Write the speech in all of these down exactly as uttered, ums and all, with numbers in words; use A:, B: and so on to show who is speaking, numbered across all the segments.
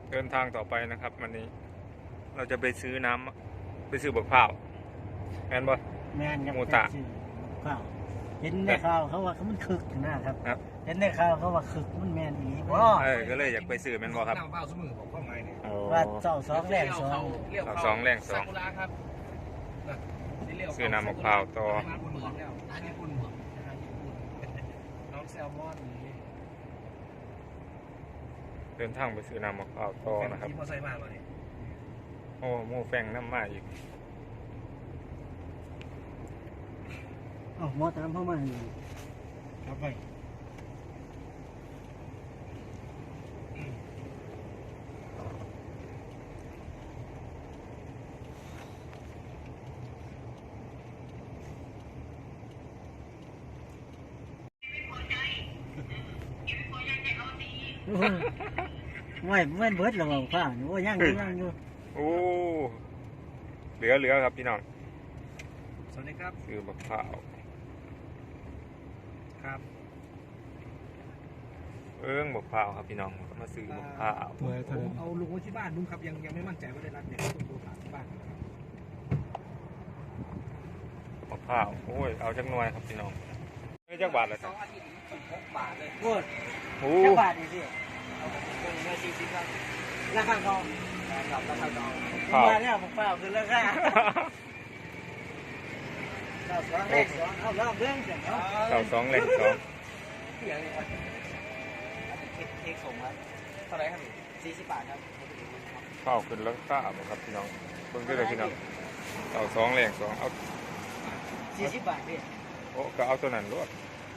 A: เดินทางต่อไปนะครับวันนี้เราจะไปซื้อน้ำไปซื้อบักพร้าวแม่นบ่
B: แม่นครับ
A: หมูตะ
B: ข้าวเห็นในข่าวเขาว่าเขามันคึกนะครับ
A: ครับ
B: เห็นในข่าวเขาว่าคึกมันแม่นอีหลีบ่
A: เออก็เลยอยากไปซื้อแม่นบ่ครับ
C: น้ำเปล่าสมือบอกข้อหมายเนี่ย
A: โอ้
B: ว่าเจ้าสองแรงสอง
C: เลี้ยว
A: เอา
C: เข้า
A: สองแรงสอง
C: ซากุระครับน่ะเลี้ยวเข้า
A: ซื้อน้ำมะพร้าวต่อ
C: ร้านญี่ปุ่นแล้วร้านญี่ปุ่นเหรอร้านญี่ปุ่นน้องแซลมอนนี่
A: เดินทางไปซื้อน้ำมะพร้าวต่อนะครับ
C: ขี่มอเตอร์ไซค์มาเลย
A: โอ้หมูแฟงน้ำมาอีก
B: เอ้าหมอตามเข้ามานี่ครับไปไม่ไม่เบิดหรอกข้าวโอ้ยังอยู่ยังอยู่
A: โอ้เหลือเหลือครับพี่น้อง
C: สวัสดีครับ
A: ซื้อบักพร้าว
C: ครับ
A: เอิ้งบักพร้าวครับพี่น้องมาซื้อบักพร้าว
C: ผมเอาลุงไว้ที่บ้านลุงครับยังยังไม่มั่นใจว่าได้รับเนี่ยต้องโทรถามที่บ้าน
A: บักพร้าวโอ้ยเอาจักหน่วยครับพี่น้องเอ้ยจักบาทเลย
C: ส
A: ครั
C: อบ งอาทิตย์สิบหกบาทเลย
B: โอ้ย
A: โอ้
B: แค่บาทนี่สิ
C: เอาไปเป็นเงินสี่สิบครับ
B: ราคาทอง
C: กับราคาดอง
B: ผมมาแล้วผมเปล่าคือราคาเก้าสองเลขสองเอาลองเรื่องเสร็จเนาะ
A: เก้าสองแรงสอง
C: เสียงเลยครับอันนี้เค้กเค้กส่งครับเท่าไหร่ครับสี่สิบบาทครับ
A: ข้าวขึ้นแล้วข้าวบ่ครับพี่น้องเพิ่งได้เลยพี่น้องเก้าสองแรงสองเอา
B: สี่สิบบาทพี่
A: โอ้ก็เอาตัวนั้นรวด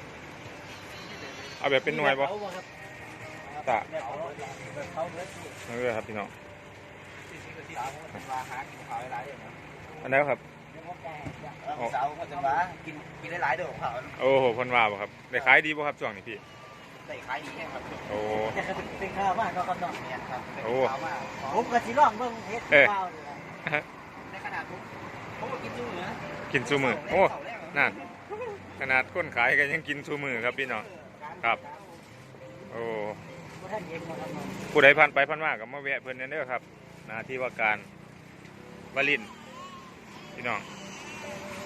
A: เอาแบบเป็นหน่วยบ่
B: เอาบ่ครับ
A: ตะ
B: แบบเขาแบบเขาเบิดสิ
A: นั่นเลยครับพี่น้อง
C: สี่สิบกับที่สามผมว่าหากินข้าวหลายๆเดือนนะ
A: อันนั้นครับ
B: เดี๋ยวผมจะให้จ้ะ
C: แล้วสาวก็จะว่ากินกินได้หลายเดือนของเขา
A: โอ้โหเพ่นว่าบ่ครับได้ขายดีบ่ครับช่วงนี้พี่
C: ได้ขายดีแค่ครับ
A: โอ้
B: จะเป็นข้าวมากก็กำลัง
C: เนี่ยครับเป็น
A: โอ้
C: ข้าวมาก
B: ผมก็สิลองเบิ่งเฮ็ดข้าวนี่ล่ะ
C: ในขนาดผมผมก็กินจุ้งเหนือ
A: กินซูมือโอ้นั่นขนาดคนขายก็ยังกินซูมือครับพี่น้องครับโอ้
B: บ่ทันเย็นบ่ครับน้อง
A: ผู้ใดผ่านไปผ่านมาก็มาแวะเพิ่นเด้อครับหน้าที่ว่าการวลินทร์พี่น้อง